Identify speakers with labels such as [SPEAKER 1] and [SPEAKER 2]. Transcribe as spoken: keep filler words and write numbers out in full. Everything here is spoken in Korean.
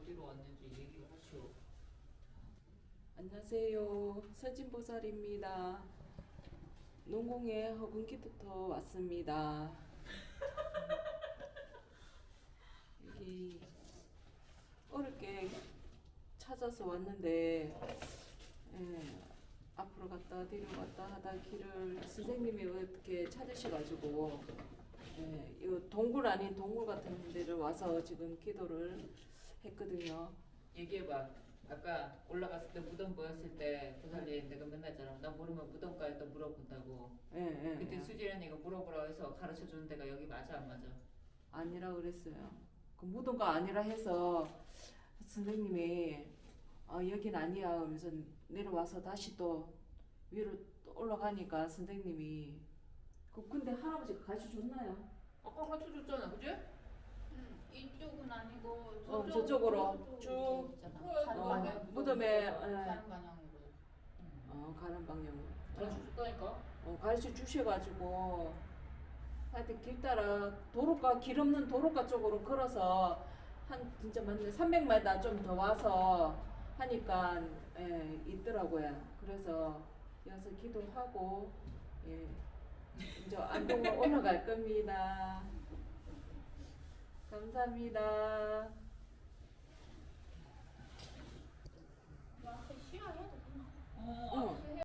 [SPEAKER 1] 어디로 왔는지 얘기를 하시오.
[SPEAKER 2] 안녕하세요. 서진보살입니다. 농공의 허근기부터 왔습니다. 여기 어렵게 찾아서 왔는데 예, 앞으로 갔다 뒤로 갔다 하다 길을 선생님이 어떻게 찾으셔가지고 예, 이 동굴 아닌 동굴 같은 데를 와서 지금 기도를 했거든요.
[SPEAKER 1] 얘기해봐. 아까 올라갔을 때 무덤 보였을 때 보살님 내가 맨날 했잖아. 나 모르면 무덤가에 또 물어본다고.
[SPEAKER 2] 예, 예,
[SPEAKER 1] 그때
[SPEAKER 2] 예.
[SPEAKER 1] 수지 언니가 물어보라고 해서 가르쳐 주는 데가 여기 맞아 안 맞아?
[SPEAKER 2] 아니라 그랬어요. 그 무덤가 아니라 해서 선생님이 어, 여긴 아니야 하면서 내려와서 다시 또 위로 또 올라가니까 선생님이 그 근데 할아버지가 가르쳐 줬나요?
[SPEAKER 1] 아까 가르쳐 줬잖아, 그지?
[SPEAKER 3] 음, 이쪽은 아니고
[SPEAKER 2] 어,
[SPEAKER 3] 저쪽,
[SPEAKER 2] 저쪽으로 쭉
[SPEAKER 3] 있잖아.
[SPEAKER 1] 그래,
[SPEAKER 3] 가는
[SPEAKER 2] 어,
[SPEAKER 3] 방향.
[SPEAKER 2] 무덤에, 예.
[SPEAKER 3] 가는 방향으로.
[SPEAKER 2] 어, 가는 방향으로
[SPEAKER 1] 가르쳐 줬다니까.
[SPEAKER 2] 어, 가르쳐 주셔가지고 하여튼 길 따라 도로가 길 없는 도로가 쪽으로 걸어서 한 진짜 맞네 삼백 미터 좀 더 와서 하니까 예, 있더라고요. 그래서 여기서 기도하고 예, 이제 안동으로 올라갈 겁니다. 감사합니다.
[SPEAKER 3] 와, 쉬어야 되구나.
[SPEAKER 1] 어,
[SPEAKER 2] 어.